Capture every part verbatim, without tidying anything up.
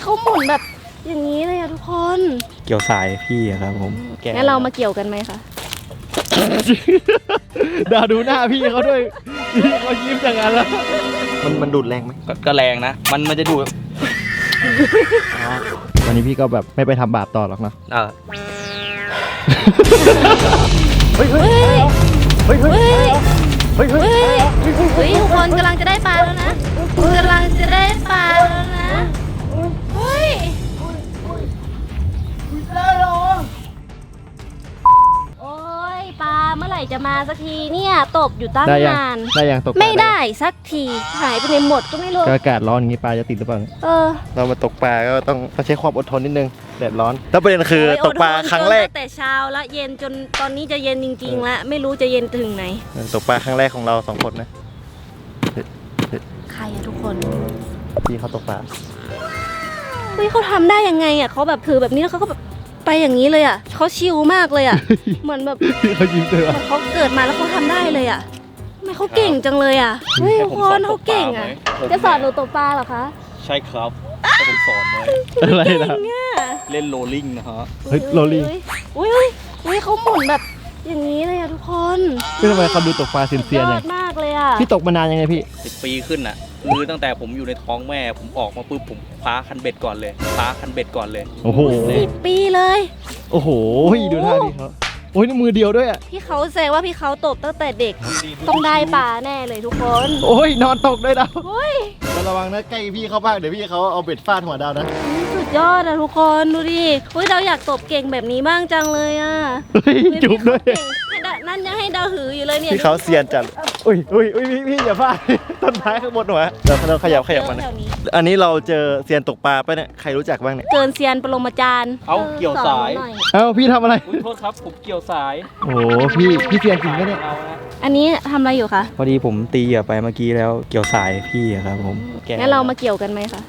เขาหมุนแบบอย่างนี้เลยอะทุกคนเกี่ยวสายพี่ครับผมงั้นเรามาเกี่ยวกันไหมคะดาดูหน้าพี่เขาด้วยพี่เขายิ้มอย่างนั้นแล้วมันมันดูดแรงไหมก็แรงนะมันมันจะดูดวันนี้พี่ก็แบบไม่ไปทำบาปต่อหรอกเนาะเออเฮ้ยเฮ้ยเฮ้ยเฮ้ยเฮ้ยเฮ้ยเฮ้ยเฮ้ยทุกคนกำลังจะได้ปลาแล้วนะกำลังจะได้ปลาแล้วนะเฮ้ยโอ้ยปลาเมื่อไหร่จะมาสักทีเนี่ยตบอยู่ตั้งนานได้ยังตกไม่ได้สักทีหายไปในหมดก็ไม่รู้อากาศร้อนอย่างนี้ปลาจะติดหรือเปล่าเออเรามาตกปลาก็ต้องใช้ความอดทนนิดนึงแดดร้อนแล้วประเด็นคือตกปลาครั้งแรกแต่เช้าแล้วเย็นจนตอนนี้จะเย็นจริงๆแล้วไม่รู้จะเย็นถึงไหนตกปลาครั้งแรกของเราสองคนนะใครอะทุกคนพี่เขาตกปลาเฮ้ยเขาทำได้ยังไงอะเขาแบบถือแบบนี้แล้วเขาก็แบบไปอย่างนี้เลยอะเขาชิลมากเลยอะเหมือนแบบเขายิ้มเลยเหมือนเขาเกิดมาแล้วเขาทำได้เลยอะทำไมเขาเก่งจังเลยอะเฮ้ยทุกคนเขาเก่งอะจะสอนหนูตกปลาเหรอคะใช่ครับผมสอนไว้อะไรนะเล่นโรลลิ่งนะฮะเฮ้ยโรลลิ่งอุ้ยอุ้ยอุ้ยเขาหมุนแบบอย่างนี้เลยอะทุกคนพี่ทำไมเขาดูตกปลาเซียนๆอย่างมากเลยอะพี่ตกมานานยังไงพี่สิบปีขึ้นอ่ะคือตั้งแต่ผมอยู่ในท้องแม่ผมออกมาปุ๊บผมคว้าคันเบ็ดก่อนเลยคว้าคันเบ็ดก่อนเลยโอ้โหสิบปีเลยโอ้โหดูท่าดิเขาโอ้ยนี่มือเดียวด้วยอ่ะพี่เขาแสดงว่าพี่เขาตกตั้งแต่เด็กต้องได้ปลาแน่เลยทุกคนโอ้ยนอนตกด้วยดาวโอ้ยระวังนะใกล้พี่เขาบ้างเดี๋ยวพี่เขาเอาเบ็ดฟาดหัวดาวนะสุดยอดอะทุกคนดูดิเฮ้ยเราอยากตบเก่งแบบนี้บ้างจังเลยอะจุ๊บด้วยนั่นยังให้ดาวหืออยู่เลยเนี่ยพี่เขาเซียนจัดอุ้ยอุ้ยอุ้ยพี่พี่อย่าฟาดต้นไม้ข้างบนหัวเดี๋ยวเราขยับขยับมันอันนี้เราเจอเซียนตกปลาปะเนี่ยใครรู้จักบ้างเนี่ยเกินเซียนปรมาจารย์เอาเกี่ยวสายเอ้าพี่ทำอะไรโทษครับผมเกี่ยวสายโอ้พี่พี่เซียนจริงปะเนี่ยอันนี้ทำอะไรอยู่คะพอดีผมตีเหยื่อไปเมื่อกี้แล้วเกี่ยวสายพี่ครับผมงั้นเรามาเกี่ยวกันไหมคะ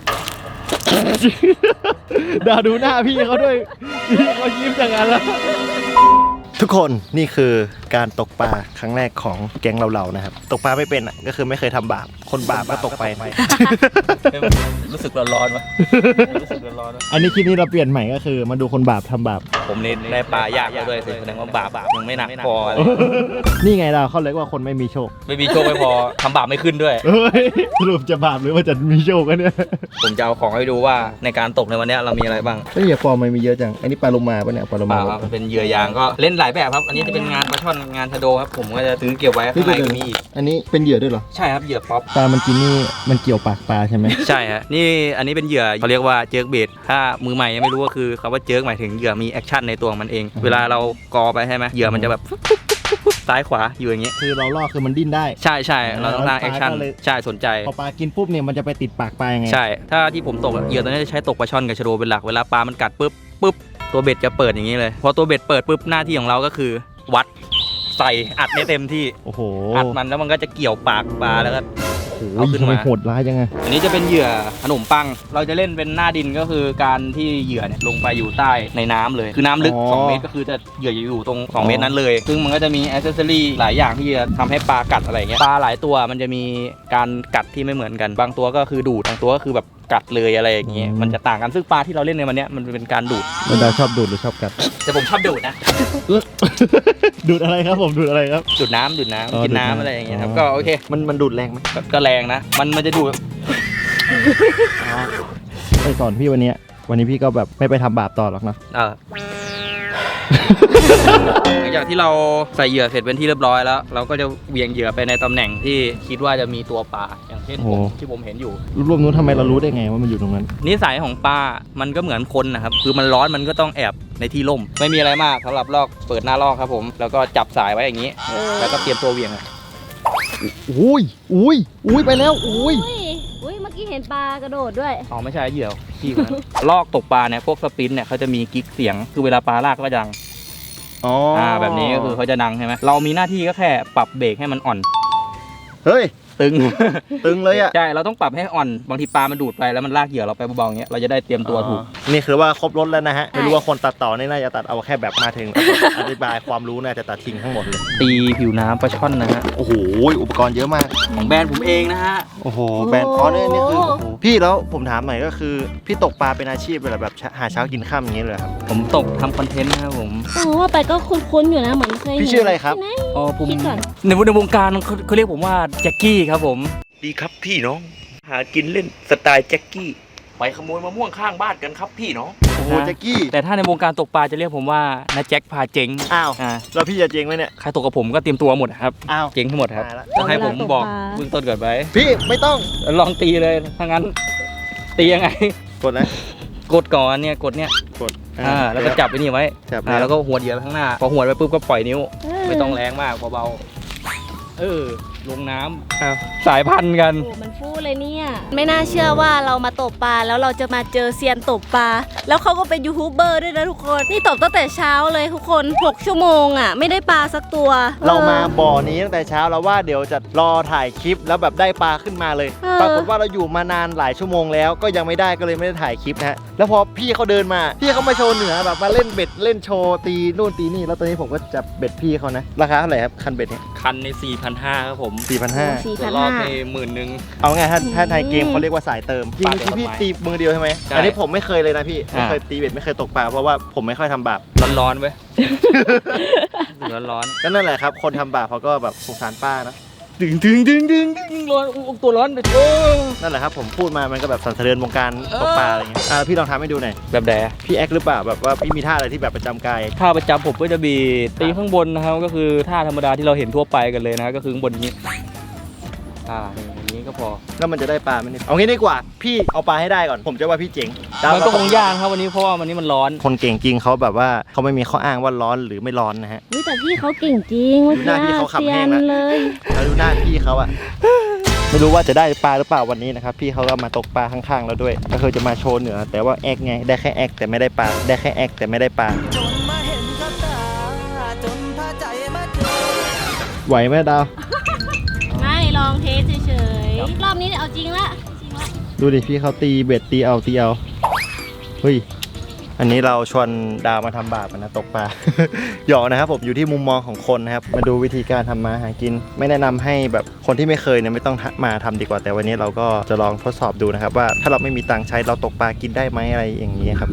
ดาดูหน้าพี่เขาด้วยพี่เขายิ้มอย่างนั้นแล้วทุกคนนี่คือการตกปลาครั้งแรกของแก๊งเราๆนะครับตกปลาไม่เป็นอ่ะก็คือไม่เคยทำบาปคนบาปก็ตกไปรู้สึกร้อนๆวะรู้สึกร้อนๆอันนี้คลิปนี้เราเปลี่ยนใหม่ก็คือมาดูคนบาปทำบาปผมเน้นได้ปลายากด้วยแสดงว่าบาปยังไม่หนักพอนี่ไงเราเขาเรียกว่าคนไม่มีโชคไม่มีโชคไม่พอทำบาปไม่ขึ้นด้วยสรุปจะบาปหรือว่าจะมีโชคกันเนี่ยผมจะเอาของให้ดูว่าในการตกในวันนี้เรามีอะไรบ้างเฮ้ยฟอร์มมันมีเยอะจังอันนี้ปลาโลมาปะเนี่ยปลาโลมาเป็นเหยื่อยางก็เล่นหลายแบบครับอันนี้จะเป็นงานปลาช่อนงานชะโดครับผมก็จะซื้อเก็บไว้ข้างในก็มีอีกอันนี้เป็นเหยื่อด้วยเหรอใช่ครับเหยื่อป๊อปปลามันกินนี่มันเกี่ยวปากปลาใช่ไหมใช่ฮะนี่อันนี้เป็นเหยื่อเขาเรียกว่าเจิร์กเบดถ้ามือใหม่ยังไม่รู้ก็คือคำว่าเจิร์กหมายถึงเหยื่อมีแอคชั่นในตัวมันเองเวลาเรากอไปใช่ไหมเหยื่อมันจะแบบซ้ายขวาอยู่อย่างเงี้ยคือเราล่อคือมันดิ้นได้ใช่ใช่เราต้องสร้างแอคชั่นใช่สนใจพอปลากินปุ๊บเนี่ยมันจะไปติดปากปลายังไงใช่ถ้าที่ผมตกเหยื่อตัวนี้จะใช้ตกปลาช่อนกับชะโดเป็นหลักเวลาปลามันกัดปุ๊บปุ๊บตัวเบ็ดจะเปิดอย่างนี้เลยพอตัวเบ็ดเปิดปุ๊บหน้าที่ของเราก็คือวัดใส่อัดให้เต็มที่โอ้โหอัดมันแล้วมันก็จะเกี่ยวปากปลาแล้วก็เอาขึ้นมาโหดร้ายยังไงอันนี้จะเป็นเหยื่อขนมปังเราจะเล่นเป็นหน้าดินก็คือการที่เหยื่อเนี่ยลงไปอยู่ใต้ในน้ำเลยคือน้ำลึกสองเมตรก็คือจะเหยื่ออยู่ตรงสองเมตรนั้นเลยซึ่งมันก็จะมีแอคเซสซอรี่หลายอย่างที่จะทำให้ปลากัดอะไรเงี้ยปลาหลายตัวมันจะมีการกัดที่ไม่เหมือนกันบางตัวก็คือดูดบางตัวก็คือแบบกัดเลยอะไรอย่างเงี้ยมันจะต่างกันซึ่งปลาที่เราเล่นในวันนี้มันเป็นการดูดมันชอบดูดหรือชอบกัดแต่ผมชอบดูดนะดูดอะไรครับผมดูดอะไรครับดูดน้ำดูดน้ำกินน้ำอะไรอย่างเงี้ยครับก็โอเคมันมันดูดแรงไหมก็แรงนะมันมันจะดูดไปสอนพี่วันนี้วันนี้พี่ก็แบบไม่ไปทำบาปต่อหรอกเนาะหลังจากที่เราใส่เหยื่อเสร็จเป็นที่เรียบร้อยแล้วเราก็จะเวียงเหยื่อไปในตำแหน่งที่คิดว่าจะมีตัวปลาอย่างเช่นที่ผมเห็นอยู่รวมๆนู้นทำไมเรารู้ได้ไงว่ามันอยู่ตรงนั้นนิสัยของปลามันก็เหมือนคนนะครับคือมันร้อนมันก็ต้องแอบในที่ร่มไม่มีอะไรมากสำหรับลอกเปิดหน้าลอกครับผมแล้วก็จับสายไว้อย่างนี้แล้วก็เตรียมตัวเวียงอุ้ยอุ้ยอุ้ยไปแล้วอุ้ยอุ้ยเมื่อกี้เห็นปลากระโดดด้วยอ๋อไม่ใช่เหยื่อพี่คนนั้นลอกตกปลาเนี่ยพวกสปินเนี่ยเขาจะมีกิ๊กเสียงคือเวลาปลาลากก็ดังอ๋ออ่าแบบนี้ก็คือเขาจะดังใช่ไหมเรามีหน้าที่ก็แค่ปรับเบรกให้มันอ่อนเฮ้ยตึงตึงเลยอ่ะใช่เราต้องปรับให้อ่อนบางทีปลามันดูดไปแล้วมันลากเหยื่อเราไปเบาๆอย่างเงี้ยเราจะได้เตรียมตัวถูกนี่คือว่าครบรถแล้วนะฮะไม่รู้ว่าคนตัดต่อนี่น่าจะตัดเอาแค่แบบมาถึง อธิบายความรู้น่าจะตัดทิ้งทั้งหมดเลยตีผิวน้ำปลาช่อนนะฮะโอ้โหอุปกรณ์เยอะมากของแบรนด์ผมเองนะฮะโอ้โหแบรนด์อ๋อเนี่ยนี่คือโอ้โหพี่แล้วผมถามหน่อยก็คือพี่ตกปลาเป็นอาชีพเลยเหรอแบบหาเช้ากินค่ำอย่างนี้เลยเหรอครับผมตกทำคอนเทนต์นะครับผมเออว่าไปก็คุ้นๆอยู่นะเหมือนเคยเห็นพี่ชื่ออะไรครับที่หนอ๋อผมคิดก่อนในในวงการเขาเขาเรียกผมว่าแจ็คกี้ครับผมดีครับพี่น้อง หากินเล่นสไตล์แจ็คกี้ไปขโมยมะม่วงข้างบ้านกันครับพี่น้องโอ้โหแจ็คกี้แต่ถ้าในวงการตกปลาจะเรียกผมว่านาแจ็คพาเจ๊งอ้าวอ่าแล้วพี่จะเจ๊งไหมเนี่ยใครตกกับผมก็เตรียมตัวหมดครับอ้าวเจ๊งทั้งหมดครับตายละต้องให้ผมบอกเบื้องต้นก่อนไปพี่ไม่ต้องลองตีเลยถ้างั้นตียังไงกดนะกดก่อนเนี่ยกดเนี่ยกดอ่าแล้วก็จับไปนี่ไว้จับอ่าแล้วก็หัวดเหยื่อไปข้างหน้า พอหัวดไปปุ๊บก็ปล่อยนิ้วเออไม่ต้องแรงมากเบาๆเออลงน้ำอ้าวสายพันธุ์กันโอ้มันฟูเลยเนี่ยไม่น่าเชื่อว่าเรามาตกปลาแล้วเราจะมาเจอเซียนตกปลาแล้วเขาก็เป็นยูทูบเบอร์ด้วยนะทุกคนนี่ตกตั้งแต่เช้าเลยทุกคนหกชั่วโมงอ่ะไม่ได้ปลาสักตัวเรามาออบ่อนี้ตั้งแต่เช้าแล้วว่าเดี๋ยวจะรอถ่ายคลิปแล้วแบบได้ปลาขึ้นมาเลยเออปรากฏว่าเราอยู่มานานหลายชั่วโมงแล้วก็ยังไม่ได้ก็เลยไม่ได้ถ่ายคลิปนะฮะแล้วพอพี่เขาเดินมาพี่เขามาโชว์เหนือแบบมาเล่นเบ็ดเล่นโชว์ตีนู่นตีนี่แล้วตอนนี้ผมก็จับเบ็ดพี่เขานะราคาเท่าไหร่ครับคันเบ็ดเนี่ยคันใน สี่พันห้าร้อย ครับผมสี่พันห้าสี่ตัพัวน รอห้าบในหมื่นหนึ่งเอาไงถ้าถ้าอืมในเกมเขาเรียกว่าสายเติมจริงปลาๆที่พี่เติมตีมือเดียวใช่ไหมใช่อันนี้ผมไม่เคยเลยนะพี่ไม่อ่าเคยตีเบ็ดไม่เคยตกปลาเพราะว่าผมไม่ค่อยทำบาปร้อนๆเว้ย ร้อนก็นั่นแหละครับคนทำบาปเขาก็แบบสงสารป้านะๆดึงดึงดึงดึงดึงร้อนอุ๊ยตัวร้อนโอ้นั่นแหละครับผมพูดมามันก็แบบสั่นสะเทือนวงการตกปลาอะไรเงี้ยอ่าพี่ลองทำให้ดูหน่อยแบบแดพี่แอคหรือเปล่าแบบว่าพี่มีท่าอะไรที่แบบประจำกายท่าประจำผมก็จะมีตีข้างบนนะครับก็คือท่าธรรมดาที่เราเห็นทั่วไปกันเลยนะก็คือข้างบนนี้อ่าอย่างนี้ก็พอแล้วมันจะได้ปลาไหมเนี่ยเอางี้ดีกว่าพี่เอาปลาให้ได้ก่อนผมจะว่าพี่เจ๋งมันก็คงยากครับวันนี้เพราะว่าวันนี้มันร้อนคนเก่งจริงเขาแบบว่าเขาไม่มีข้ออ้างว่าร้อนหรือไม่ร้อนนะฮะอุ๊ยแต่พี่เขาเก่งจริงเมื่อดูหน้าพี่กี้เขาขำเซียแห้งนนะเลยแล้วดูหน้าพี่เขาอะไม่รู้ว่าจะได้ปลาหรือเปล่าวันนี้นะครับพี่เขาก็มาตกปลาข้างๆเราด้วยก็คือจะมาโชว์เหนือแต่ว่าแอคไงได้แค่แอคแต่ไม่ได้ปลาได้แค่แอคแต่ไม่ได้ปลาจนมาเห็นกับตาจนพาใจมาเจอไหวไหมดาวไม่ลองเทสเฉยๆรอบนี้เอาจริงละจริงละดูดิพี่เขาตีเบ็ดตีเอาตีเอาเฮ้ยอันนี้เราชวนดาวมาทำบาปกันนะตกปลา หยอกนะครับผมอยู่ที่มุมมองของคนนะครับมาดูวิธีการทำมาหากิน ไม่แนะนำให้แบบคนที่ไม่เคยเนี่ยไม่ต้องมาทำดีกว่าแต่วันนี้เราก็จะลองทดสอบดูนะครับว่าถ้าเราไม่มีตังค์ใช้เราตกปลากินได้ไหมอะไรอย่างนี้ครับ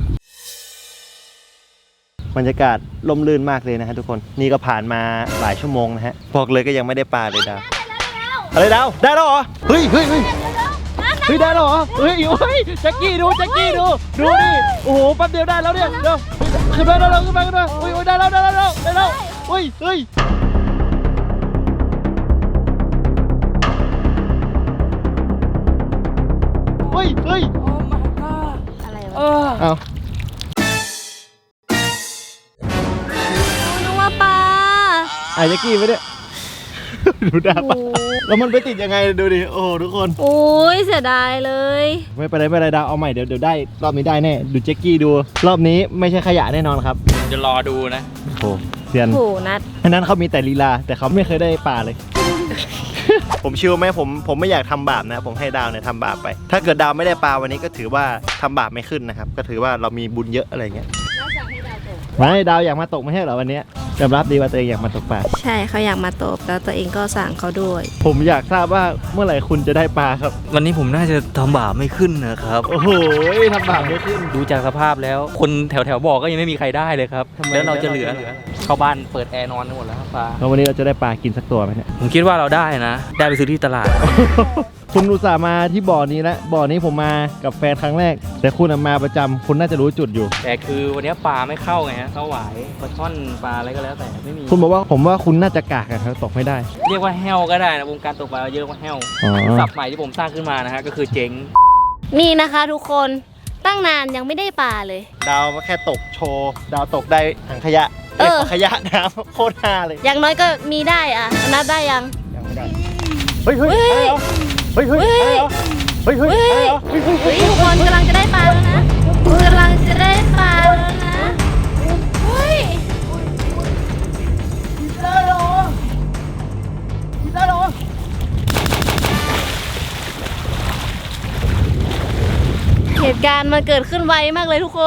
บรรยากาศล่มลื่นมากเลยนะฮะทุกคนนี่ก็ผ่านมาหลายชั่วโมงนะฮะบอกเลยก็ยังไม่ได้ปลาเลยดาวอะไรดาวได้แล้วเหรอเฮ้ยเฮ้ยเฮ้ย เฮ้ยได้แล้วเหรอเฮ้ยเฮ้ยแจ็คกี้ดูแจ็คกี้ดูดูดิโอ้โหแป๊บเดียวได้แล้วเนี่ยเดี๋ยวขึ้นมาได้แล้วขึ้นมาขึ้นมาอุ้ยอุ้ยได้แล้วได้แล้วได้แล้วเฮ้ยเฮ้ยเฮ้ยเฮ้ยอะไรเอวะอเอานึกว่าปลาไอ้แจ็คกี้ไปเนี่ย ดูดาปะโอ้แล้วมันไปติดยังไงดูดิโอ้โหทุกคนโอ้ยเสียดายเลยไม่เป็นไรไม่เป็นไรดาวเอาใหม่เดี๋ยวเดี๋ยวได้รอบนี้ได้แน่ดูแจ็คกี้ดูรอบนี้ไม่ใช่ขยะแน่นอนครับจะรอดูนะโอ้โหเซียนโหนัดอันนั้นเขามีแต่ลีลาแต่เขาไม่เคยได้ปลาเลย ผมชิวไหมผมผมไม่อยากทำบาปนะผมให้ดาวเนี่ยทำบาปไป ถ้าเกิดดาวไม่ได้ปลาวันนี้ก็ถือว่าทำบาปไม่ขึ้นนะครับก็ถือว่าเรามีบุญเยอะอะไรเงี้ยแล้วสั่งให้ดาวตกไม่ดาวอยากมาตกไม่ใช่เหรอวันนี้ยอมรับดีว่าตัวเองอยากมาตกปลาใช่เขาอยากมาตบแล้วตัวเองก็สั่งเขาด้วยผมอยากทราบว่าเมื่อไหร่คุณจะได้ปลาครับวันนี้ผมน่าจะทำบาปไม่ขึ้นนะครับโอ้โหทำบาปไม่ขึ้นดูจากสภาพแล้ว คนแถวแถวๆบอกก็ยังไม่มีใครได้เลยครับทำไมแล้วเราจะเหลือเข้าบ้านเปิดแอร์นอนกันหมดแล้วครับปลาแล้ววันนี้เราจะได้ปลากินสักตัวไหมเนี่ยผมคิดว่าเราได้นะ ได้ไปซื้อที่ตลาดคุณอุตส่าห์มาที่บ่อนี้แล้วบ่อนี้ผมมากับแฟนครั้งแรก แต่คุณน่ะมาประจำคุณน่าจะรู้จุดอยู่แต่คือวันนี้ปลาไม่เข้าไงฮะเข้าหวายปลาช่อนปลาอะไรก็แล้วแต่ไม่มีคุณบอกว่าผมว่าคุณน่าจะกากอะครับตกไม่ได้เรียกว่าแห้วก็ได้นะวงการตกปลาเรียกว่าแห้วอ๋อศัพท์ใหม่ที่ผมสร้างขึ้นมานะฮะก็คือเจ๊งนี่นะคะทุกคนตั้งนานยังไม่ได้ปลาเลยดาวแค่ตกโชว์ดาวตกได้ถังขยะเออเก็บขยะน้ำโคตรฮาเลยอย่างน้อยก็มีได้อะนับได้ยังยังไม่ได้เฮ้ยเฮ้ยเฮ้ยเฮ้ยเฮ้ยเฮ้ยเฮ้ยเฮ้ยเฮ้ยเฮ้ยเฮ้ยเฮ้ยทุกคนกำลังจะได้ปลาแล้วนะกำลังจะได้ปลาแล้วนะเฮ้ยได้หรอได้หรอเหตุการณ์มันเกิดขึ้นไวมากเลยทุกคน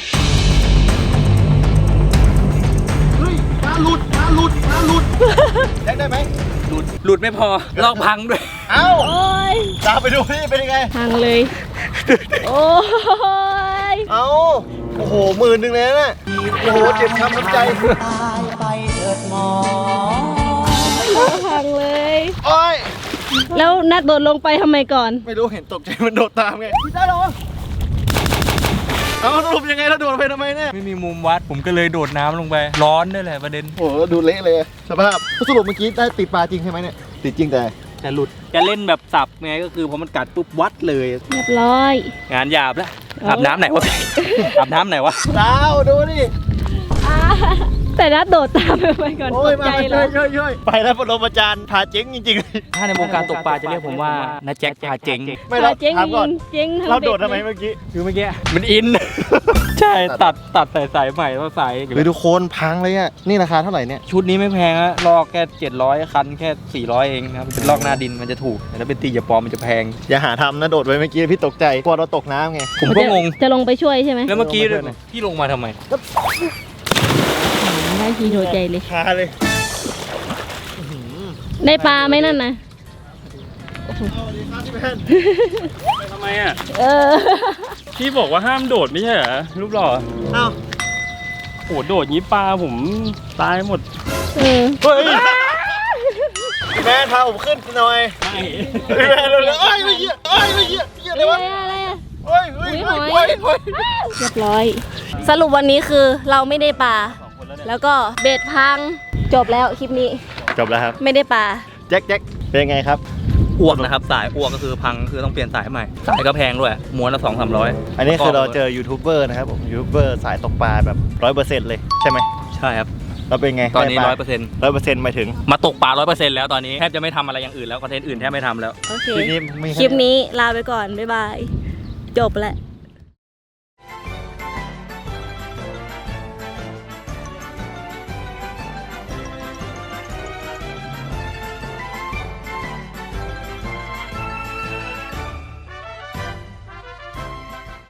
เฮ้ยปลาหลุดปลาหลุดปลาหลุดแจ็คได้ไหมหลุดหลุดไม่พอลอกพังด้วยเอ้าโอ้ยตามไปดูนี่เป็นยังไงพังเลย โอ้ยเอ้าโอ้โหหมื่นหนึ่งเลยนะโอ้โหเจ็บช้ำน้ำใจพังเลยโอ้ยแล้วนัดโดดลงไปทำไมก่อนไม่รู้เห็นตกใจมันโดดตามไงได้หรอเอาสรุปยังไงแล้วโดดไปทำไมเนี่ยไม่มีมุมวัดผมก็เลยโดดน้ำลงไป ร้อนด้วยแหละประเด็นโอ้โหดูเละเลยสภาพสรุปเมื่อกี้ได้ติดปลาจริงใช่ไหมเนี่ยติดจริงแต่จะหลุดจะเล่นแบบสับไงก็คือพอมันกัดปุ๊บวัดเลยเรียบร้อยงานหยาบแล้วอาบน้ำไหนวะ อาบน้ำไหนวะดาวดูดิอ่าแต่นัดโดดตามไปไปก่อนโอ้ตยกมาใจช่เลวยยช่วยช่วยไปแล้วปรมาจารย์พาเจ๊งจริงถ้าในวงการตกปลาจะเรียกผมว่านาแจ็คพาเจ๊งๆ ไม่เราเจ๊งถามก่อนเจ๊งทั้งเราโดดด็กทำไมเมื่อกี้คือเมื่อกี้มันอิน ใช่ตัดตัดใส่สายใหม่แล้วสายหรือทุกคนพังเลยอ่ะนี่ราคาเท่าไหร่เนี่ยชุดนี้ไม่แพงฮะลอกแค่เจ็ดร้อยคันแค่สี่ร้อยเองนะครับเป็นลอกหน้าดินมันจะถูกแต่ถ้าเป็นตีอย่าปลอมมันจะแพงอย่าหาทำนะโดดไปเมื่อกี้พี่ตกใจกลัวเราตกน้ำไงผมก็งงจะลงไปช่วยใช่ไหมแล้วเมื่อกี้ลงมาด้วยหน่อยพี่ลงมาทำไมได้ทีโดดใจเลยคาเลยได้ปลาไหมนั่นนะสวัสดีครับพี่แมนทำไมอ่ะเออพี่บอกว่าห้ามโดดไม่ใช่เหรอรูปหล่อเอ้าโหโดดงี้ปลาผมตายหมดเออเฮ้ยพี่แมนพาผมขึ้นหน่อยไม่พี่แมนเร็วๆเอ้ยไม่เหี้ยเอ้ยไม่เหี้ยเหี้ยอะไรเอ้วะยอะไรอะเฮ้ยเฮ้ยอุ๊ยเฮ้ยหอยเฮ้ยเฮ้ยเรียบร้อย สรุปวันนี้คือเราไม่ได้ปลา แล้วก็เบ็ดพัง จบแล้วคลิปนี้จบแล้วครับไม่ได้ปลาแจ็คแจ็คเป็นยังไงครับอ้วกนะครับสายอ้วกก็คือพังคือต้องเปลี่ยนสายใหม่สายก็แพงด้วยม้วนละสองสามร้อยอันนี้คือเราเจอยูทูบเบอร์นะครับผมยูทูบเบอร์สายตกปลาแบบร้อยเปอร์เซ็นต์เลยใช่ไหมใช่ครับเราเป็นไงตอนนี้ร้อยเปอร์เซ็นต์ร้อยเปอร์เซ็นต์หมายถึงมาตกปลาร้อยเปอร์เซ็นต์แล้วตอนนี้แทบจะไม่ทำอะไรอย่างอื่นแล้วคอนเทนต์อื่นแทบไม่ทำแล้วโอเคทีนี้ไม่คลิปนี้ลาไปก่อน บ๊ายบาย จบแล้ว